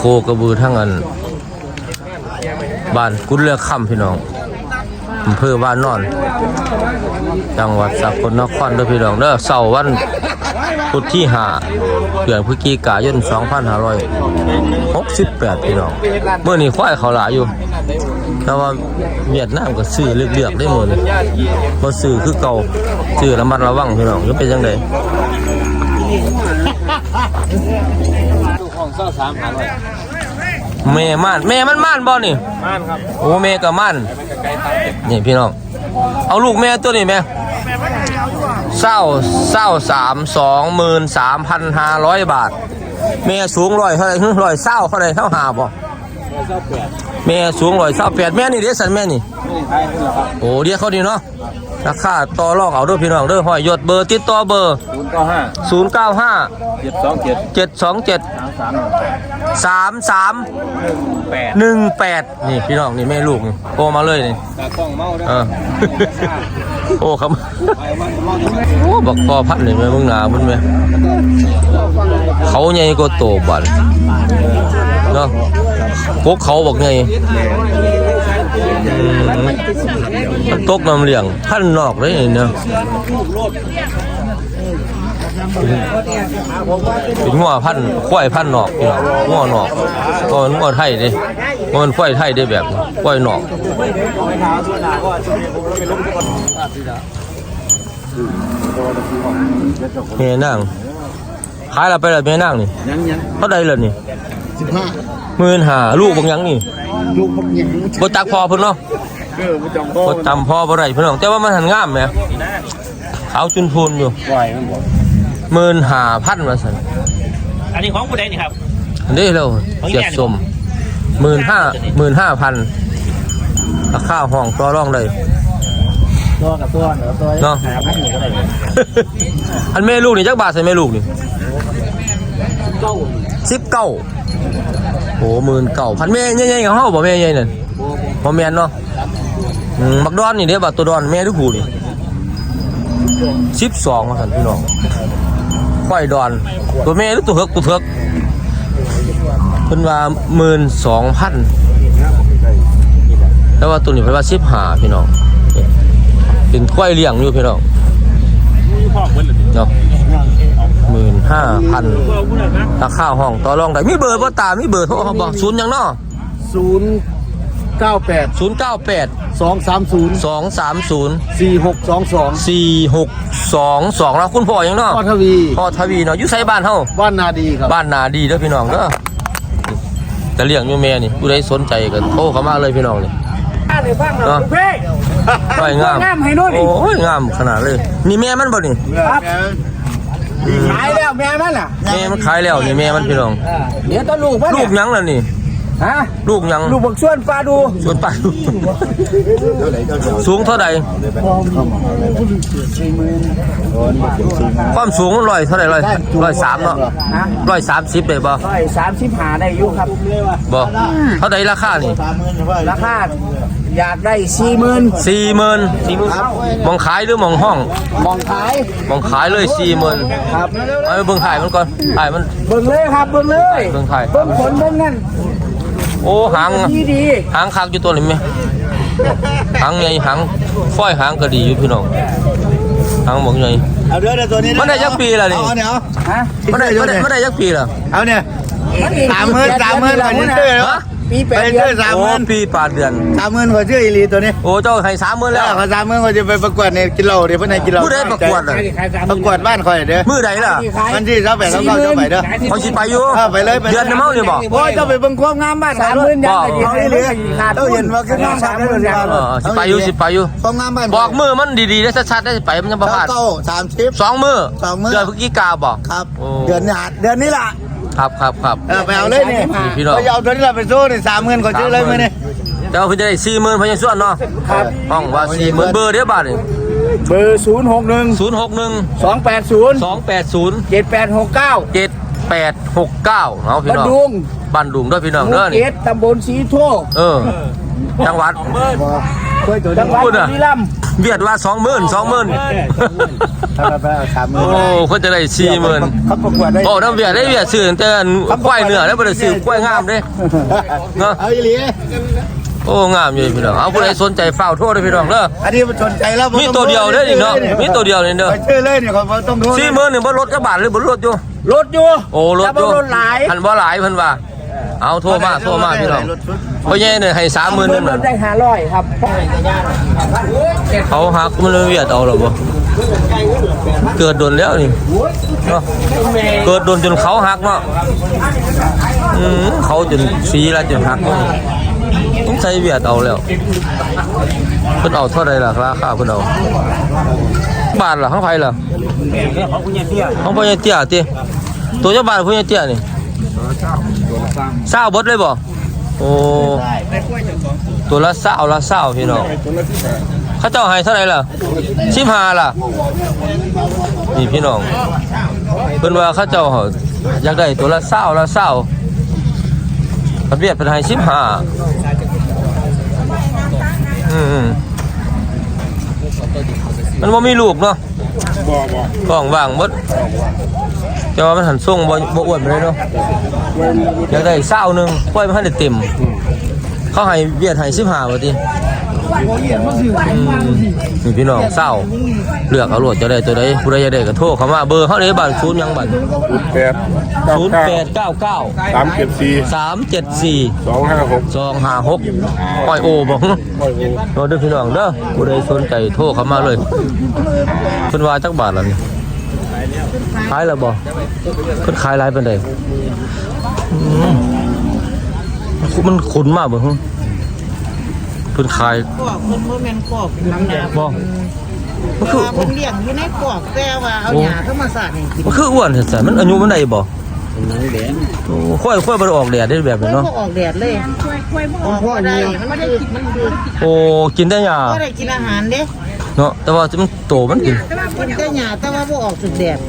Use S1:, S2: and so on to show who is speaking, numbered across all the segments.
S1: โคกระบือทั้งอันบ้านกุดเลือกค่ำพี่น้องอำเภอบ้านนอนจังหวัดสกลนครเด้อพี่น้องเด้อเสาร์วันพุธที่5 เดือนพฤศจิกายน 2568พี่น้องเมื่อนี้ควายเขาหลายอยู่แต่ว่าเวียดนามก็ซื้อเลือกๆได้หมดเลยบ่ซื้อคือเก่าซื้อระมัดระวังพี่น้องจะเป็นจังได๋แม่มันม่านบ่นี่ม่านครับโอ้แม่ก็ม่านนี่พี่น้องเอาลูกแม่ตัวนี้แม่23,500 บาทแม่สูง100เท่าไหร่120เท่าไหร่เท่าหาบ่แม่สูง128แม่นี่เด้สันแม่นี่โอ้เดี๋ยวเขาดีเนาะราคาต่อรองเอาเด้อพี่น้องเด้อห้อยยศเบอร์ติดต่อเบอร์095 727 3318นี่พี่น้องนี่แม่ลูกนี่โทรมาเลยนี่โอ้ครับโอ้บักพอพัดนี่แม่มึงหนามึงแม่เขาใหญ่กว่าโตบัดเนาะพวกเขาบอกไงมันตกน้ำเลี้ยงพันนอกเลยเนาะเป็นงัวพันควายพันนอกงัวนอกก็มันงัวไทยดิมันควายไทยได้แบบควายนอกเมียนั่งขายเราไปแล้วเมียนั่งนี่เท่าใดเลยนี่15,000ลูกบางยังนี่ลูกบางยังบ่จักพอเพิ่นเนาะบ่จำพอบ่ได้เพิ่นน้องแต่ว่ามันหันงามแหมขาวจุนพูนอยู่15,000ว่าซั่น
S2: อันนี้ของผู้ใดนี่ครับ
S1: อันนี้แล้วเสียบสม15,000ราคาห้องต่อรองได้
S2: ตัวกับตัวเนาะ5,000ก็ได้
S1: อันแม่ลูกนี่จักบาทใส่แม่ลูกนี่19โอ้19,000แม่ใหญ่ๆกับเฮาบ่แม่ใหญ่นั่นบ่แม่นเนาะบักดอนนี่เด้บักตัวดอนแม่ทุกผู้นี่12ว่าซั่นพี่น้องควายดอนตัวแม่หรือตัวเถิกเพิ่นว่า 12,000แต่ว่าตัวนี้เพิ่นว่า15พี่น้องเป็นควายเลี้ยงอยู่พี่น้องเนาะ15,000ราคาห้องต่อรองได้มีเบอร์บ่ตามีเบอร์โทรบ่0หยังเนาะ098 230 4622แล้วคุณพ่อหยังเนาะพ่อทวีเนาะอยู่ไสบ้านเฮา
S3: บ้านนาดีครับ
S1: บ้านนาดีเด้อพี่น้องเด้อจะเลี้ยงอยู่แม่นี่ผู้ใดสนใจก็โทรเข้ามาเลยพี่น้องนี่เนาะสวยงามโอ้ยงามขนาดเลยนี่แม่มันบ่นี่
S3: ขายแล้วแม่มันน่ะ
S1: แม่มันขายแล้วนี่แม่มันพี่น้อง
S3: เดี๋ยวต้นลูกมัน
S1: ลูกยังล่ะนี่
S3: ฮะ
S1: ลูกยัง
S3: ลูกบักชวนปลาดู
S1: สูงเท่าใดความสูง100เท่าใด103เนาะ130ได้บ่
S3: 135ได้อยู่ครับ
S1: บ่เท่าใดราคานี่
S3: ราคาอยากได้
S1: 40,000มองขายหรือมองห้อง
S3: มอง
S1: ขายเลย40,000
S3: ครับ
S1: เอาเบิ่งถ่ายมันก่อนถ่ายมัน
S3: เบิ่งเลยครับเบิ่งเลย
S1: เบิ่งถ่าย
S3: เบิ่งผลเบิ่งนั่น
S1: โอ้หาง
S3: ดี
S1: คักอยู่ตัวนี้มั้ยหางใหญ่หางฝ้อยหางก็ดีอยู่พี่น้องหางบ่ใหญ่
S3: เอาเด้อตัวนี้
S1: มันได้จักปีล่ะนี่
S3: เอาฮะ
S1: มันได้จักปีล่ะ
S3: เอาเนี่ย30,000อันนี้ซื้อแล้วปี8 เดือน
S1: โอ้ปี8 เดือน
S3: 30,000กว่าชื่ออีหลีตัวนี้
S1: โอ้เจ้าให้30,000แล้ว
S3: เขา30,000ก็จะไปประกวดในกิโลเดี๋ยวเพิ่นให้กิโล
S1: ผู้ใดประกวดอ่ะ
S3: ประกวดบ้านข่อยเด้อ
S1: มื้อใดล่ะ
S3: วันที่28 29จะไปเด้อ
S1: เขาสิไปอยู่
S3: ไปเลย
S1: เดือนเมานี่บ่
S3: โอ้ยเจ้าไปเบิ่งความงามบ้าน30,000ยังได้อีหลีต้องเห็นว่าคืองาม30,000
S1: สิไปอยู่
S3: ความงามบ้าน
S1: บอกมือมันดีๆได้ชัดๆได้ไปมันจะบ่พลาด2มื้อเดือนพฤศจิกาบ่
S3: ครับเดือนนี้ล่ะ
S1: ครับ
S3: ไปเอาเลยนี่
S1: พี่น้อง
S3: ไปเอาตัวนี้เราไปสู้นี่30,000ก็ซื้อเลยมื้อนี้
S1: เดี๋ยวเพิ่นจะได้40,000เพิ่นยังส่วนเนาะ
S3: ครับ
S1: ห้องว่า40,000เบอร์เด้อบาดนี่
S3: เบอร์061 280 7869
S1: เอาพี่น้องบ้านดุงด้วยพี่น้องเด้อนี่
S3: ตำบลสีโท
S1: จังหวัด
S3: จังหวัด
S1: พูดอ่ะ
S3: บุรีรัมย์
S1: เบียดว่า20,000
S3: ไป30,000
S1: โอ้เขาจะได้40,000
S3: เขาประกวดได้
S1: โอ้น้ำเบียดได้เบียดซื้อแต่ควายเนื้อแล้วบ่ได้ซื้อควายงามเด้เนาะ
S3: เอาอีหลี
S1: โอ้งามอยู่พี่น้องเอาผู้ใดสนใจฝ้าวโทษเด้อพี่น้องเด้อ
S3: อันนี้มันสนใจแล้ว
S1: มีตัวเดียวเด้อนี่เนาะมีตัวเดียวนี่เด้อ
S3: ไปชื่อเลยเนี่ยเขาต้องดู
S1: 40,000นี่บ่ลดจักบาทเลยบ่ลดอยู่
S3: รถอยู่
S1: โอ้ลดอยู่
S3: รถหลาย
S1: หันบ่หลายเพิ่นว่าเอาโทรมาพี่น้องพ่อใหญ่เนี่ยให้30,000นึง
S3: ร
S1: น่ะ
S3: ถได้500ครับ
S1: เขาหักมันเลยเวียดเอาหรอบ่เกิดโดนแล้วนี่เนาะเกิดโดนจนเขาหักเนาะเขาจนสีแล้วจนหักเนาะต้องใช้เวียดเอาแล้วเพิ่นเอาเท่าไรล่ะราคาเพิ่นเอาบาทล่ะของไผล่ะของพ่อใหญ่เตี้ยติตัวเจ้าบาทพ่อใหญ่เตี้ยนี่20บดเลยบ่โอ้ตัวละ20พี่น้องเขาเจ้าให้เท่าไหร่ล่ะ15ล่ะนี่พี่น้องเพิ่นว่าเขาเจ้าอยากได้ตัวละ20ประเภทเป็นให้15มันบ่มีลูกเนาะท้องว่างหมดแต่ว่ามันหันส่งบ่อ้วนไปเลยเนาะอยากได้20นึงปล่อยมันให้ได้เต็มเขาให้เวียดให้15บ่ตินี่พี่น้องเศร้าเลือกเอาโหลดจะได้ตัวใดผู้ใดจะได้ก็โทรเข้ามาเบอร์เฮาได้บัตร0ยังบัตร0899 374 256อ้อยโอบ่โน้ตเด้อพี่น้องเด้อผู้ใดสนใจโทรเข้ามาเลยเพิ่นว่าจักบาทล่ะนี่ขายแล้วบ่เพิ่นขายหลายปานใดมันขุนมากบ่ฮึเพิ่นขาย
S4: กอกเพิ่นบ่แม่นกอกน้ำหนา
S1: บ่มัน
S4: เพ
S1: คือ
S4: ราะว่าเพิ่นเลี้ยงอยู่ในกอกแต่ว่าเอาหญ้าธรรมชาติให้กิน
S1: มันคืออ้วนแท้ๆมันอายุมันได้บ่โอ้ค่อยบ่ได้ออกแดดได้แบบ
S4: เพิ่
S1: นี้
S4: น
S1: เนาะ
S4: บ่ออกแดดเลยออกบ่ได้มันคือ
S1: โอ้กินได้หญ้า
S4: บ่ได้กินอาหารเด้
S1: เนาะแต่ว่ามันโตมันกิน
S4: กินแต่หญ้าแต่ว่าบ่ออกสุดแดด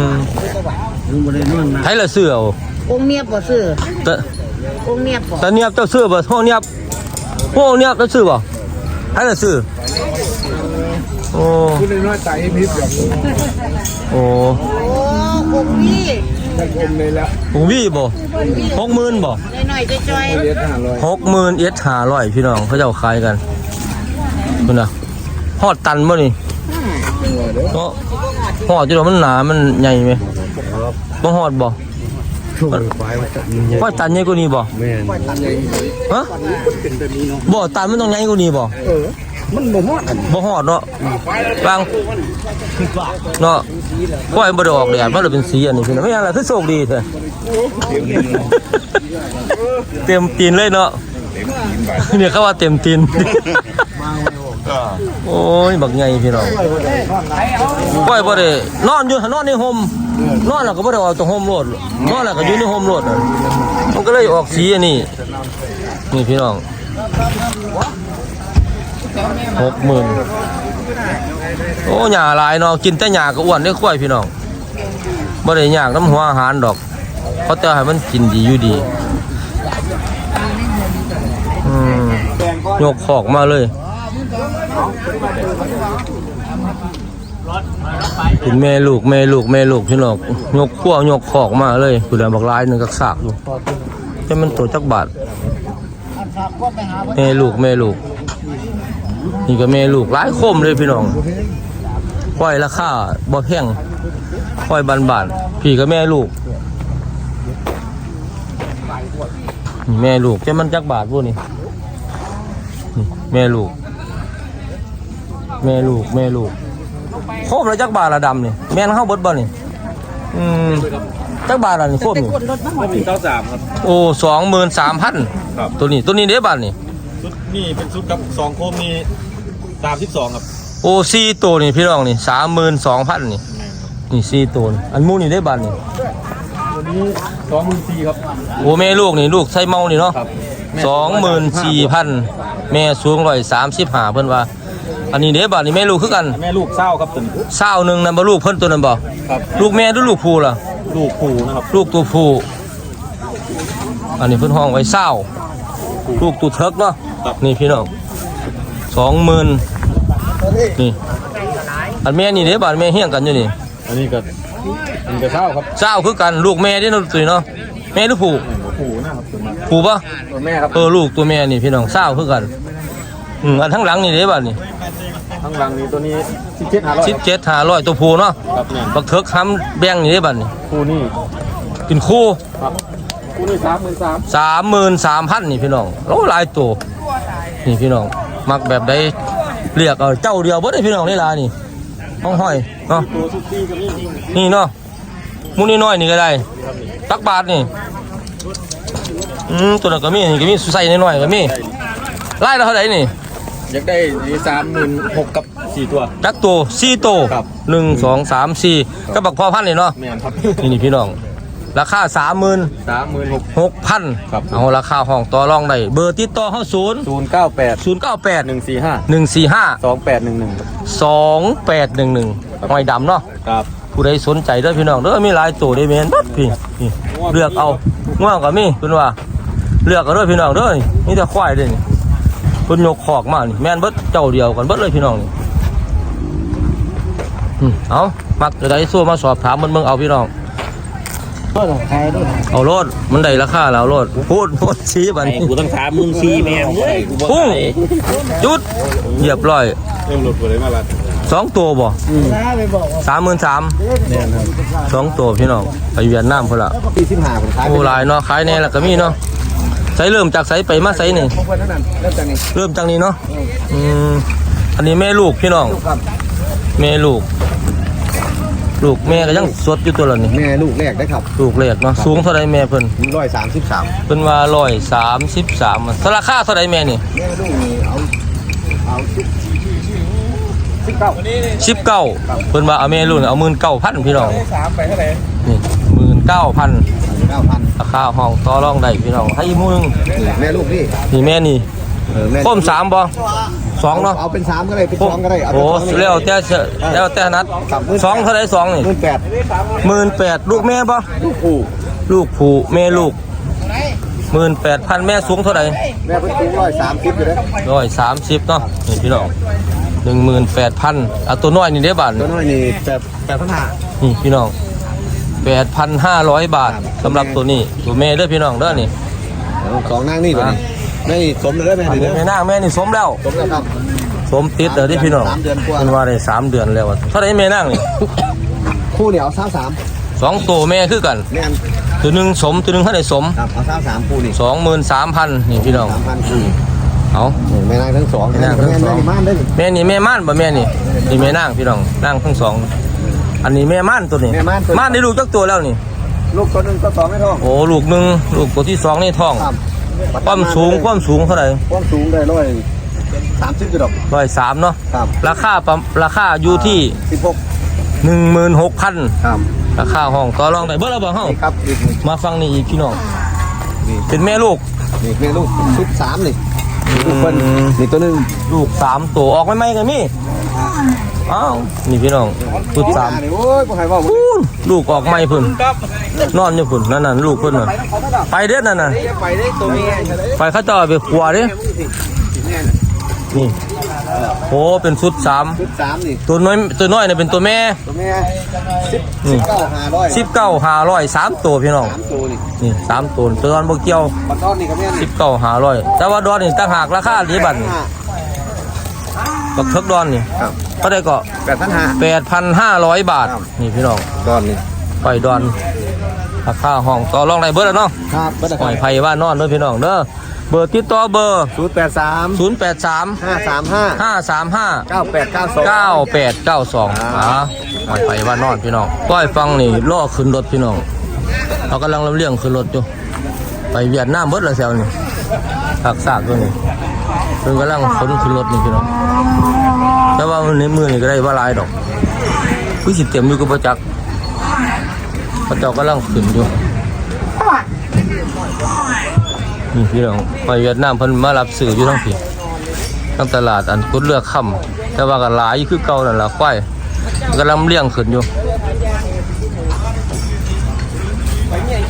S1: ไผละซื้อเอา
S4: องค์เนียบบ่ซื้อ
S1: แต่
S4: องค์เนียบบ่
S1: แต่เนียบเจ้าซื้อบ่โหเนียบเจ้าซื้อบ่ไผละซื้อโอ้
S3: คุณน้อยใจพิษแบบ
S1: โอ้
S4: โอ้องค์นี้
S3: ผมเลยละ
S1: ผมวี่บ่60,000บ่
S4: น้อยๆจ้อย
S3: เรียน500
S1: 60,000 500พี่น้องเขาเจ้าขายกันพุ่นน่ะฮอดตันบ่นี่เนาะฮอดอยู่ดอกมันหนามันใหญ่ไหมบ่ฮอดบ่ว่าตันใหญ่กว่านี้บ่
S3: แม่น
S1: ฮะบ่ตันมันต้องใหญ่กว่านี้บ่
S3: มันบ่เหมาะ
S1: บ่ฮอดเนาะบางเนาะปล่อยบ่ได้ออกแดดมันเลยเป็นสีอันนี้พี่น้องไม่อย่างไรคือโชคดีแท้เต็มตีนเลยเนาะเนี่ยเขาว่าเต็มตีนโอ้ยบักใหญ่พี่น้องปล่อยบ่ได้นอนอยู่นอนในห่มนอนแล้วก็บ่ได้ออกจากห่มโลดนอนแล้วก็อยู่ในห่มโลดมันก็เลยออกสีอันนี้นี่พี่น้อง60,000โอ้หญ้าหลายเนาะกินแต่หญ้าก็อ้วนได้ค่อยพี่น้องบ่ได้ยากน้ำหัวอาหารดอกเพราะแต่ให้มันกินดีอยู่ดียกขอกมาเลยเป็นแม่ลูกพี่น้องยกขั้วยกขอกมาเลยผู้ใดบักลายนึงกักซากอยู่แต่มันตัวจักบาทแม่ลูกนี่ก็แม่ลูกหลายคมเลยพี่น้องปล่อยราคาบ่แพงปล่อยบานๆพี่ก็แม่ลูกนี่แม่ลูกแต่มันจักบาทพวกนี้นี่แม่ลูกโคมแล้วจักบาทละดำนี่แม่นเข้าเบิดบ่นี่จักบาทละนี่โคมนี่
S2: 93ครับ
S1: โอ้23,000
S2: ครับ
S1: ตัวนี้เด้บาทนี่
S2: ชุดนี่เป็นชุดกับ2โคมมี32ครับ
S1: โอ้4ตัวนี่พี่น้องนี่32,000นี่4ตัวนี่อันหมูนี่ได้บาทนี่
S2: ตัวนี้24,000ครับ
S1: โอ้แม่ลูกนี่ลูกไส้เมานี่เนาะ
S2: ครับ
S1: 24,000แม่สูง135เพิ่นว่าอันนี้เด้บาทนี่แม่ลูกคือกัน
S2: แม่ลูกเศร้าครับตัวนี้
S1: 20นึงนั่นบ่ลูกเพิ่นตัวนั้นบ่
S2: ครับ
S1: ลูกแม่หรือลูกผู้ล่ะ
S2: ลูกผูนะครับ
S1: ลูกตัวผู้อันนี้เพิ่นห้องไว้20ลูกตัวเทิกเนาะนี่พี่น้อง 20,000นี่อันแม่นี่เด้บาดแม่เฮี้ยงกันอยู่นี่
S2: อันนี้ก็เศร้าครับ
S1: เจ้าคือกันลูกแม่เด้เนาะตุ้ยเนาะแม่หรือผู้
S2: ปู่นะครับตัวมา
S1: ผู้ปะ
S2: ตัวแม่ครับ
S1: ลูกตัวแม่นี่พี่น้องเจ้าคือกันอันทั้งหลังนี่เด้บาดนี่
S2: ข้างหลังนี้ตัวนี้17,500
S1: 17,500ตัวผู้เนาะ
S2: ครับเนี่ย
S1: บักเถิกค้ำแบ่งนี่เด้บาดนี่
S2: คู่นี่
S1: เป็นคู่
S2: ครับคู่นี่33,000
S1: 33,000นี่พี่น้องโอ้หลายตัวนี่พี่น้องมักแบบใดเรียกเอาเจ้าเดียวบ่ได้พี่น้องนี่ล่ะนี่ห้อยเนาะ
S2: ตัวสุดที่ก็มี
S1: นี่เนาะมุนี่น้อยนี่ก็ได้ตักบาทนี่ตัวนั้นก็มีนี่ก็มีใส่น้อยๆก็มีไล่แล้วเท่าไหร่นี่
S2: อยากได้36,000กับ4ตัว
S1: จักตัว4ตัว
S2: ครับ
S1: 1 2 3 4ก็บักพอพันนี่เนาะ
S2: แม่นครับ
S1: นี่พี่น้องราคา
S2: 36,000
S1: 36,000
S2: ครับ
S1: เอาราคาห้องต่อรองได้เบอร์ติดต่อเฮา
S2: 098
S1: 098
S2: 145
S1: 145
S2: 2811
S1: หอยดำเนาะ
S2: ครับ
S1: ผู้ใดสนใจเด้อพี่น้องเด้อมีหลายตัวได้แม่นบัดพี่นี่เลือกเอาง่วงก็มีเพิ่นว่าเลือกเอาเด้อพี่น้องเด้อนี่แต่ควายเด้อนี่เพิ่นยกคอกมานี่แม่นเบิดเจ้าเดียวกันเบิดเลยพี่น้องนี่เอามักจะได้สู้มาสอบถามมันเบิ่งเอาพี่น้อง
S3: ก็ต้องใครด้วย
S1: เอาโลดมันได้ราคาแล้วโลดพูดชี้บัดนี้
S2: กูต้อง34,000แม่มึงเลยกูบ่
S1: พุ่งจุดเหยียบร้อย
S2: เริ่มหลุดไปเลยมาละ
S1: 2ตัวบ่
S3: ไปบอกว่า
S1: 33,000
S2: แม่นครับ
S1: 2ตัวพี่น้องไปเวียดนามพุ่นล่ะ
S2: 45ผมขาย
S1: โอ้หลายเนาะขายแน่แล้วก็มีเนาะใส่เริ่มจากใส่ไปมาใส่นี่
S3: พวกคนนั้นเริ่มจากนี้
S1: เริ่มจากนี้เนาะอันนี้แม่ลูกพี่น้อง
S3: ครับ
S1: แม่ลูกแม่ก็ยังสดอยู่ตัวละนี่
S3: แม่ลูกแรกได้ครับ
S1: ลูกเล็กเนาะสูงเท่าไรแม่เพิ่น
S3: 133
S1: เพิ่นว่า133ราคาเท่าไรแม่นี่
S3: แม่ลูกนี่เอา
S1: 19เพิ่นว่าเอาแม่ลูกเอา19,000พี่น้อง
S3: 3ไปเท่าไหร่
S1: นี่19,000
S3: 9,000
S1: ราคาห้องต่อรองได้พี่น้องให้อีกหมู่นึง
S3: แม่ลูกนี่
S1: นี่แม่นี่
S3: แม่
S1: คม3บ่2เนาะ
S3: เอาเป็น3ก็ได้เป็น2ก็ได้เอา
S1: โอ้
S3: เป็น2
S1: แล้วแต่นัด2เท่าไร2นี่ 18,000ลูกแม่บ่
S3: ลูกคู่
S1: ลูกผู้แม่ลูก18,000แม่สูงเท่าไหร่
S3: แม่เพิ่นสูง130อยู่เด้อ
S1: 130เนาะนี่พี่น้อง18,000เอาตัวน้อยนี่ได้บาท
S3: ตัวน้อยนี่8,500
S1: นี่พี่น้อง 8,500 บาทสำหรับตัวนี้ตัวแม่เด้อพี่น้องเด้อนี่
S3: ของนางนี่ตัวนี้แม่นี่สมเลยแม่นี่เด้อ
S1: แม่นางแม่นี่สมแล้ว
S3: สมแล้วครับ
S1: สมติดเด้อที่พี่น้อง
S3: 3 เดือนกว่า
S1: มันว่าได้3 เดือนแล้วเท่าไหร่แม่นางนี่
S3: คู่เดียว33
S1: 2ตัวแม่คือกัน
S3: แม่น
S1: ตัวหนึงสมตัวหนึงเท่าไหร่สม
S3: ครับเอา33คู่นี่
S1: 23,000นี่พี่น้อง
S3: 3,000คู่
S1: เอา
S3: แม่นางทั้งสอง
S1: แม่นางทั้งสอง
S3: แม่ม่านได้นี่
S1: แม่นี่แม่ม่านบ่แม่นี่นี่แม่นางพี่น้องนางทั้งสองอันนี้แม่ม่านตัวนี้
S3: แม่ม่านตัว
S1: ม่านได้ลูกจักตัวแล้วนี่
S3: ลูกตัวนึงตัวสองไม่ท้อง
S1: โอ้ลูกหนึ่งลูกตัวที่2นี่ท้อง
S3: ครับ
S1: ความสูงเท่าไหร่
S3: ความสูงได้130จุดดอก
S1: 103เนาะ
S3: ครับ
S1: ราคาอยู่ที่
S3: 16
S1: 16,000
S3: ครับ
S1: ราคาห้องต่อรองได้เบิดแล้วบ่เฮา
S3: นี่ครับอีกนี่
S1: มาฟังนี่อีกพี่น้อง
S3: นี่
S1: เป็นแม่ลูก
S3: นี่แม่ลูกชุด3นี่ลูกเพิ่นนี่ตัวนึง
S1: ลูก3ตัวออกใหม่ๆก็มีอ้าวนี่พี่น้องชุด3
S3: นี่โอ้ยบ่ให้เว้า
S1: พูนลูกออกใหม่พุ่นนอนอยู่พุ่นนั่นลูกเพิ่นน่ะไปเด้อนั่นน่ะ
S3: ไปได้ตัวนี้
S1: ไปเขาเจ้าไปขัวเด้นี่โอ้เป็นชุด3
S3: ชุด3นี่
S1: ตัวน้อยเนี่ยเป็นตัวแม่
S3: ตัวแม่
S1: นี่
S3: 19,500
S1: 3ตัวพี่น้อง
S3: 3ตัวนี่
S1: นี่3ตัวตัวนั้นบ่เกี่ยว
S3: บัดตอนนี่ก็แม่นี่
S1: 19,500แต่ว่าดอนนี่ต่างหากราคาดีบัดนี่บักเทิกดอนนี่
S3: ครับ
S1: ก็ได้ก็
S3: 8,500
S1: 8,500 บาทนี่พี่น้อง
S3: ตอนนี้
S1: ปล่อยดอนราคาห้องต่อรองได้เบิดแล้วเนาะ
S3: ครับบ่ได้
S1: ปล่อยไผว่านอนเด้อพี่น้องเด้อเบอร์ติดต่อเบอร์
S3: 083
S1: 083
S3: 535
S1: 535
S3: 9892
S1: 9892ปล่อยไผว่านอนพี่น้องปล่อยฟังนี่ล่อขึ้นรถพี่น้องเรากำลังลำเลียงขึ้นรถอยู่ไปเวียดนามเบิดแล้วแซวนี่ซากตัวนี้เพิ่นกำลังขนขึ้นรถนี่พี่น้องแต่ว่าในมือนี่ก็ได้ว่าหลายดอกผู้สิเต็มอยู่กับประจักษ์พระเจ้ากำลังขึ้นอยู่นี่พี่น้องไปเวียดนามเพิ่นมารับซื้ออยู่ทั้งพี่ทั้งตลาดอันกุดเลือกค่ำแต่ว่าก็หลายคือเก่านั่นล่ะควายกำลังเลี้ยงขึ้นอยู่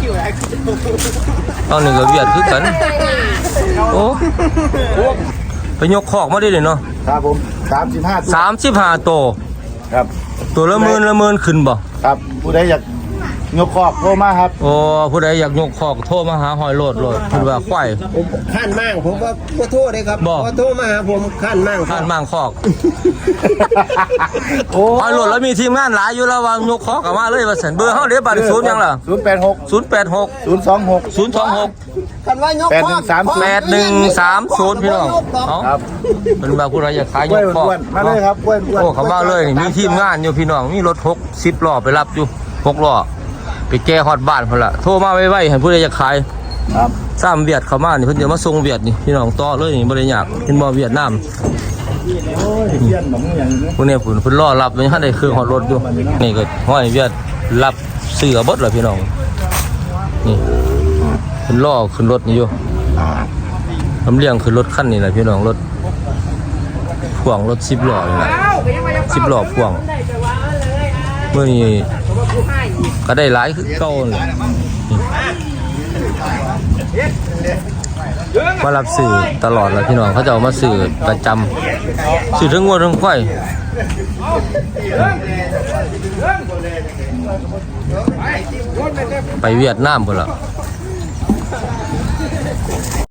S1: เอานี่ก็เวียดคือกันโอ้ไปยกคอกมาได้เลยเนาะ
S3: ครับผม35
S1: 35โต
S3: ครับ
S1: ตัวละหมื่นขึ้นบ่
S3: ครับผู้ใดอยากยกคอกโทรมาครับ
S1: โอ้ผู้ใดอยากยกคอกโทรมาหาหอยโลดเพิ่นว่าควาย
S2: ผมขั้นมั่งผมก็โทษเลยครับ
S1: บ่
S2: พอโทรมาหาผมขั้นมั่ง
S1: ท่านมั่งคอก
S3: โอ้
S1: หอยโลดแล้วมีทีมงานหลายอยู่แล้วว่ายกคอกเข้ามาเลยว่าซั่นเบอร์เฮาเดี๋ยวบัดนี้0ยังล่ะ
S3: 086
S1: 086
S3: 026
S1: 026
S2: กันว่ายกข้อ
S1: 8130พี่น้องเอ้า
S3: ครับ
S1: เพิ่นว่าผู้ใดอยากขาย
S3: ก
S1: ย
S3: ล้วย
S1: กคอก
S3: อ้วนๆมาเลยครับกล้วยอ้วน
S1: โอ้เขามาเลยนี่มีทีมงานอยู่พี่น้องมีรถ60ล้อไปรับอยู่6ล้อไปแก้ฮอดบ้านพุ่นล่ะโทรมาไวๆให้ผู้ใดอยากขาย
S3: ครับ
S1: ซ้ำเวียดเข้ามานี่เพิ่นจะมาส่งเวียดนี่พี่น้องต่อเลยนี่บ่ได้ยากเห็นบ่เวียดนาม
S3: โอ้ยเพี้ยนหนองอย่างนี้
S1: พวกนี้เพิ่นรอรับยังทันได้เครื่องฮอดรถอยู่นี่ก็ห้อยเวียดรับเสื้อเบิดล่ะพี่น้องนี่เพิ่นรอขึ้นรถนี่อยู่ลำเลียงขึ้นรถคันนี้ล่ะพี่น้องรถพ่วงรถ10ล้อนี่ล่ะ10ล้อพ่วงมื้อนี้ก็ได้หลายคือเก่านั่นแหละมารับสื่อตลอดเลยพี่น้องเขาจะเอามาสื่อประจำสื่อทั้งงวดทั้งควายไปเวียดนามพุ่นล่ะ